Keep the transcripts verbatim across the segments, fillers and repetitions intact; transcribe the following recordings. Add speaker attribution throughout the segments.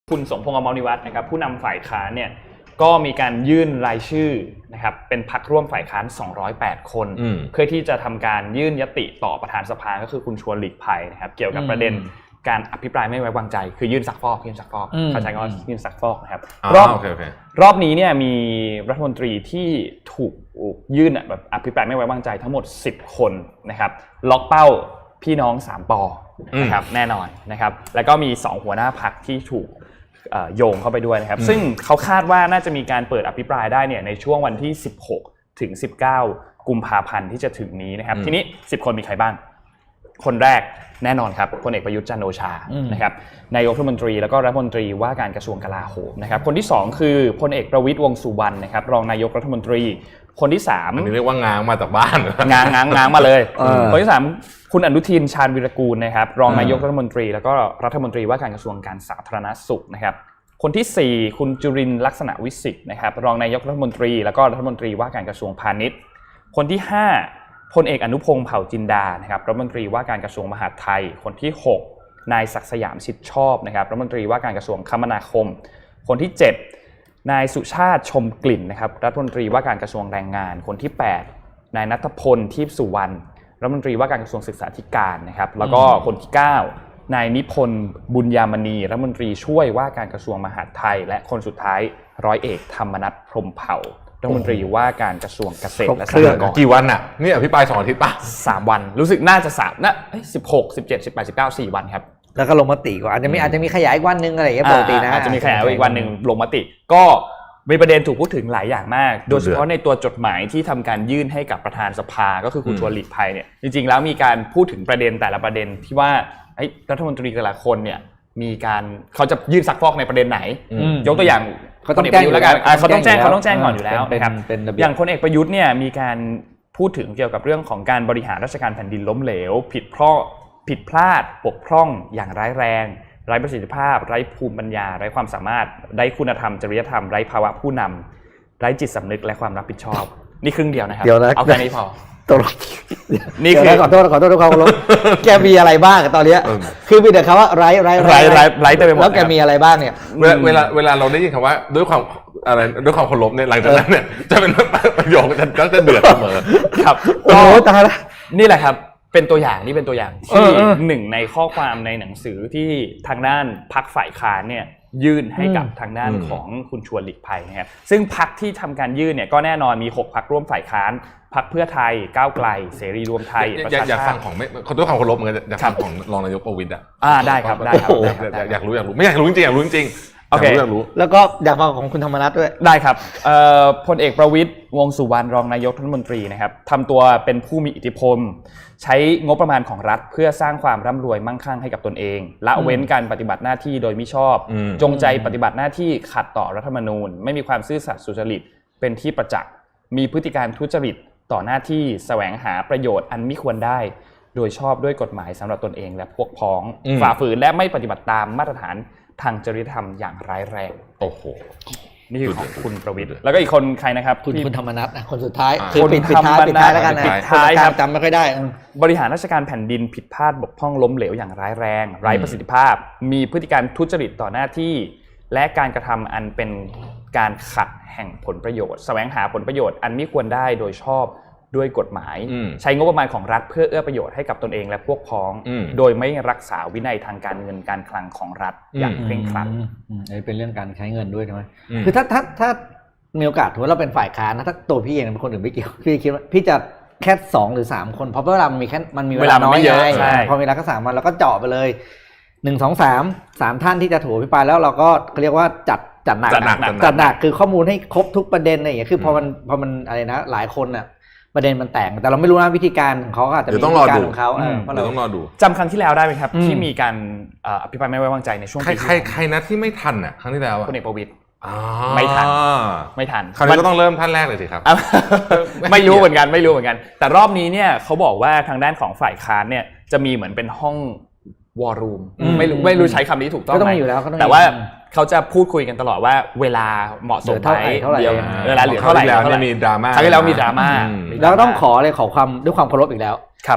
Speaker 1: คุณสมพงษ์ อมรนิวัฒน์นะครับผู้นำฝ่ายค้านเนี่ยก็มีการยื่นรายชื่อนะครับเป็นพรรคร่วมฝ่ายค้านสองร้อยแปดคนเพื่อที่จะทำการยื่นยติต่อประธานสภาก็คือคุณชวนหลีกภัยนะครับเกี่ยวกับประเด็นการอภิปรายไม่ไว้วางใจคือยื่นซักฟอกยื่นซักฟอกเขาใช้คำว่ายื่นซักฟอกนะครับรอบรอบนี้เนี่ยมีรัฐมนตรีที่ถูกยื่นแบบอภิปรายไม่ไว้วางใจทั้งหมดสิบคนนะครับล็อกเป้าพี่น้องสามปอนะครับแน่นอนนะครับแล้วก็มีสองหัวหน้าพรรคที่ถูกโยงเข้าไปด้วยนะครับซึ่งเขาคาดว่าน่าจะมีการเปิดอภิปรายได้เนี่ยในช่วงวันที่สิบหกถึงสิบเก้ากุมภาพันธ์ที่จะถึงนี้นะครับทีนี้สิบคนมีใครบ้างคนแรกแน่นอนครับพลเอกประยุทธ์จันทร์โอชานะครับนายกรัฐมนตรีแล้วก็รัฐมนตรีว่าการกระทรวงกลาโหมนะครับคนที่สองคือพลเอกประวิตรวงษ์สุวรรณนะครับรองนายกรัฐมนตรีคนที่สาม
Speaker 2: อันนี้เรียกว่างางมาจากบ้าน
Speaker 1: งางงางงางมาเลยคนที่สามคุณอนุทินชาญวิรากูลนะครับรองนายกรัฐมนตรีแล้วก็รัฐมนตรีว่าการกระทรวงการสาธารณสุขนะครับคนที่สี่คุณจุรินทร์ลักษณะวิสิทธิ์นะครับรองนายกรัฐมนตรีแล้วก็รัฐมนตรีว่าการกระทรวงพาณิชย์คนที่ห้าพลเอกอนุพงษ์เผ่าจินดานะครับรัฐมนตรีว่าการกระทรวงมหาดไทยคนที่หกนายศักดิ์สยามชิดชอบนะครับรัฐมนตรีว่าการกระทรวงคมนาคมคนที่เจ็ดนายสุชาติชมกลิ่นนะครับรัฐมนตรีว่าการกระทรวงแรงงานคนที่แปดนายณัฐพลทิพย์สุวรรณรัฐมนตรีว่าการกระทรวงศึกษาธิการนะครับแล้วก็คนที่เก้านายนิพนธ์บุญยามณีรัฐมนตรีช่วยว่าการกระทรวงมหาดไทยและคนสุดท้ายร้อยเอกธรรมนัสพรหมเผ่ารัฐมนตรีว่าการกระทรวงเกษตรและสหกรณ์
Speaker 2: กี่วันอ่ะนี่อภิปรายสองอาทิตย์ป่ะ
Speaker 1: สามวันรู้สึกน่าจะสามนะสิบหก สิบเจ็ด สิบแปด สิบเก้า สี่วันครับ
Speaker 3: แล้วก็ลงมติก่อนอาจจะมีอาจจะมีขยายอีกวันนึงอะไรอย่างเงี้ยปกตินะ
Speaker 1: อาจจะมีขยายอีกวันนึงลงมติก็มีประเด็นถูกพูดถึงหลายอย่างมากโดยเฉพาะในตัวจดหมายที่ทำการยื่นให้กับประธานสภาก็คือคุณชวนหลีกภัยเนี่ยจริงๆแล้วมีการพูดถึงประเด็นแต่ละประเด็นที่ว่ารัฐมนตรีแต่ละคนเนี่ยมีการเขาจะยื่นซักฟอกในประเด็นไหนยกตัวอย่าง
Speaker 3: เขาต้องแจ้ง
Speaker 1: แล้วกันเขาต้องแจ้งเขาต้องแจ้งก่อนอยู่แล้วนะครับอย่างพลเอกประยุทธ์เนี่ยมีการพูดถึงเกี่ยวกับเรื่องของการบริหารราชการแผ่นดินล้มเหลวผิดพลาดผิดพลาดบกพร่องอย่างร้ายแรงไร้ประสิทธิภาพไร้ภูมิปัญญาไร้ความสามารถไร้คุณธรรมจริยธรรมไร้ภาวะผู้นำไร้จิตสำนึกและความรับผิดชอบนี่ครึ่งเดียวนะครับเอาแค่นี้พอ
Speaker 3: นี่คือขอโทษขอโทษทุกคนลบแกมีอะไรบ้างตอนนี้คือมีแต่คำว่าไร้ไร้
Speaker 1: ไร้ไร้ไร้เต็มไปหมด
Speaker 3: แล้วแกมีอะไรบ้างเนี่ย
Speaker 2: เวลาเวลาเราได้ยินคำว่าด้วยความอะไรด้วยความเคารพเนี่ยหลังจากนั้นเนี่ยจะเป็นประโยคจะก็จะเดือดเสมอ
Speaker 1: ครับ
Speaker 3: โอ้ตายละ
Speaker 1: นี่แหละครับเป็นตัวอย่างนี่เป็นตัวอย่างที่หนึ่งในข้อความในหนังสือที่ทางด้านพรรคฝ่ายค้านเนี่ยยื่นให้กับทางด้านของคุณชวนหลีกภัยนะครับซึ่งพรรคที่ทำการยื่นเนี่ยก็แน่นอนมีหกพรรคร่วมฝ่ายค้านพรรคเพื่อไทยก้าวไกลเสรีรวมไทย
Speaker 2: ประชาชาติอยากฟังของไม่เขาด้วยความเคารพเหมือนกันอยากฟังของรองนายกประวิตรอ่ะ
Speaker 1: อ่าได้ครับได้ครับ
Speaker 2: อยากรู้อยากรู้ไม่อยากรู้จริงอยากรู้จริง
Speaker 1: โอเค
Speaker 3: แล้วก็อยากฟังของคุณธรรมนัสด้วย
Speaker 1: ได้ครับพลเอกประวิตรวงษ์สุวรรณรองนายกรัฐมนตรีนะครับทำตัวเป็นผู้มีอิทธิพลใช้งบประมาณของรัฐเพื่อสร้างความร่ำรวยมั่งคั่งให้กับตนเองละเว้นการปฏิบัติหน้าที่โดยมิชอบจงใจปฏิบัติหน้าที่ขัดต่อรัฐธรรมนูญไม่มีความซื่อสัตย์สุจริตเป็นที่ประจักษ์มีพฤติการทุจริตต่อหน้าที่แสวงหาประโยชน์อันมิควรได้โดยชอบด้วยกฎหมายสำหรับตนเองและพวกพ้องฝ่าฝืนและไม่ปฏิบัติตามมาตรฐานทางจริยธรรมอย่างร้ายแรง
Speaker 2: โอ้โห
Speaker 1: นี่คือของคุณประวิตรแล้วก็อีกคนใครนะครับ
Speaker 3: คุณคุณธรรมนัสนะคนสุดท้ายคือปิดปิดท้ายปิดท้ายแล้วกันนะ
Speaker 1: ปิดท้ายครับ
Speaker 3: จำไม่ค่อยได้
Speaker 1: บริหารราชการแผ่นดินผิดพลาดบกพร่องล้มเหลวอย่างร้ายแรงไร้ประสิทธิภาพมีพฤติการทุจริตต่อหน้าที่และการกระทำอันเป็นการขัดแห่งผลประโยชน์แสวงหาผลประโยชน์อันมิควรได้โดยชอบด้วยกฎหมายใช้งบประมาณของรัฐเพื่อเอื้อประโยชน์ให้กับตนเองและพวกพ้องโดยไม่รักษาวินัยทางการเงินการคลังของรัฐอย่างเคร่งครัด
Speaker 3: อันนี้เป็นเรื่องการใช้เงินด้วยใช่ไหมคือถ้าถ้าถ้ามีโอกาสถือว่าเราเป็นฝ่ายค้านนะถ้าตัวพี่เองเป็นคนอื่นไม่เกี่ยวพี่คิดว่าพี่จะแค่สองหรือสามคนเพราะเวลามันมีแค่มันมีเวลาน้อยไงพอเวลาก็สามวันเราก็เจาะไปเลยหนึ่งสองสามสามท่านที่จะถูกอภิปรายแล้วเราก็เรียกว่าจัดจัดหนักจัดหนักคือข้อมูลให้ครบทุกประเด็นอะไรอย่างเงี้ยคือพอมันพอมันอะไรนะหลายคนน่ะประเด็นมันแตกแต่เราไม่รู้นะวิธีการของเขาอาจจะมีวิธีการของเขา
Speaker 2: เดี๋ยวต้องรอดู
Speaker 1: จำครั้งที่แล้วได้ไหมครับที่มีการอภิปรายไม่ไว้วางใจในช่วง
Speaker 2: ปีใครใครนะที่ไม่ทันอ่ะครั้งที่แล้ว
Speaker 1: พลเอกประวิตรไม่ทันไม่ทัน
Speaker 2: คราวนี้ก็ต้องเริ่มท่านแรกเลยสิครับ
Speaker 1: ไม่รู้เหมือนกันไม่รู้เหมือนกันแต่รอบนี้เนี่ยเขาบอกว่าทางด้านของฝ่ายค้านเนี่ยจะมีเหมือนเป็นห้องวอร์รูมไม่รู้ไม่รู้ใช้คำนี้ถูกต้องไหมแต่ว่าเขาจะพูดคุยกันตลอดว่าเวลาเหมาะสมไหมเดี๋ยวเวลาเหลือเท่าไหร่
Speaker 2: แล้วมีดราม่า
Speaker 1: ครั้งที่แล้วมีดราม่า
Speaker 3: แล้วต้องขอเลยขอความด้วยความเคารพอีกแล้ว
Speaker 1: ครับ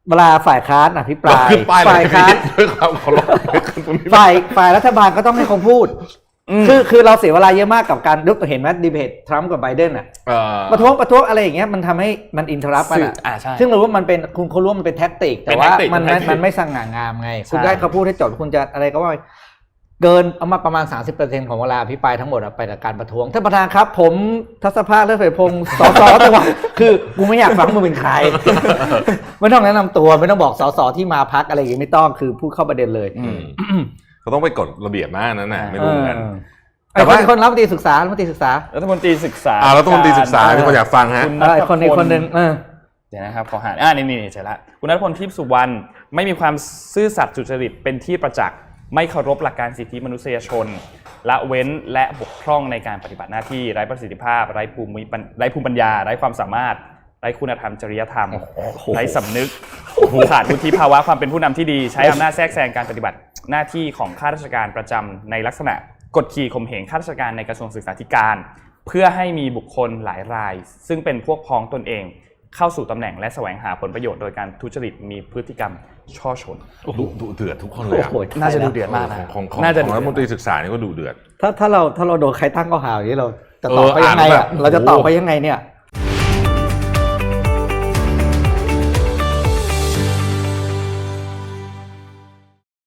Speaker 3: เวลาฝ่ายค้านอภิปราย
Speaker 2: ขึ้นป้ายเลย
Speaker 3: ฝ่ายค้าน
Speaker 2: ด้วยความเคารพตรงนี้
Speaker 3: ฝ่ายฝ่ายรัฐบาลก็ต้องให้เขาพูดคือคือเราเสียเวลาเยอะมากกับการยกตัวเห็นไหมดีเบตทรัมป์กับไบเดนอ่ะประท้วงประท้วงอะไรอย่างเงี้ยมันทำให้มันอินเทอร์รัปกันอ่ะซึ่งเรารู้ว่ามันเป็นคุณเขารู้ว่ามันเป็นแท็กติกแต่ว่ามันมันไม่สง่างามไงคุณได้เขาพูดให้จบคุณจะอะไรก็ว่าเกินเอามาประมาณ สามสิบเปอร์เซ็นต์ ของเวลาอภิปรายทั้งหมดไปกับการประท้วงท่านประธานครับผมทัศภาคเลิศเผยพงศ์สสจังหวัดคือกูไม่อยากฟังมึงเป็นใครไม่ต้องแนะนำตัวไม่ต้องบอกสสที่มาพักอะไรอย่างงี้ไม่ต้องคือพูดเข้าประเด็นเลย
Speaker 2: เขาต้องไปกฎระเบียบมากนั่นน่ะไม่รู้เหมือนกัน
Speaker 3: แต่ว่าคนรัฐมนตรีศึกษารัฐมนตรีศึกษา
Speaker 1: รัฐมนตรีศึกษา
Speaker 2: อ่ารัฐมนตรีศึกษาที่คนอยากฟังฮะ
Speaker 3: คนนี้คนนึง
Speaker 1: เดี๋ยวนะครับขอหาอ่านี่นี่ใช่ละคุณณัฐพล ทิพย์สุวรรณไม่มีความซื่อสัตย์สุจริตเป็นที่ประจักษ์ไม่เคารพหลักการสิทธิมนุษยชนละเว้นและบกพร่องในการปฏิบัติหน้าที่ไร้ประสิทธิภาพไร้ภูมิไร้ภูมิปัญญาไร้ความสามารถไร้คุณธรรมจริยธรรมไร้สำนึกขาดวุฒิภาวะความเป็นผู้นำที่ดีใช้อำนาจแทรกแซงการปฏิบัติหน้าที่ของข้าราชการประจำในลักษณะกดขี่ข่มเหงข้าราชการในกระทรวงศึกษาธิการเพื่อให้มีบุคคลหลายรายซึ่งเป็นพวกพ้องตนเองเข้าสู่ตำแหน่งและแสวงหาผลประโยชน์โดยการทุจริตมีพฤติกรรมช่อชน
Speaker 2: ดุเดือดทุกคนเลย
Speaker 1: น่าจะดูเดือดมากนะ
Speaker 2: ของของรัฐมนตรีศึกษานี่ก็ดุเดือด
Speaker 3: ถ้าถ้าเราถ้าเราโดนใครตั้งข้อหาอย่างนี้เราจะตอบไปยังไงอ่ะเราจะตอบไปยังไงเนี่ย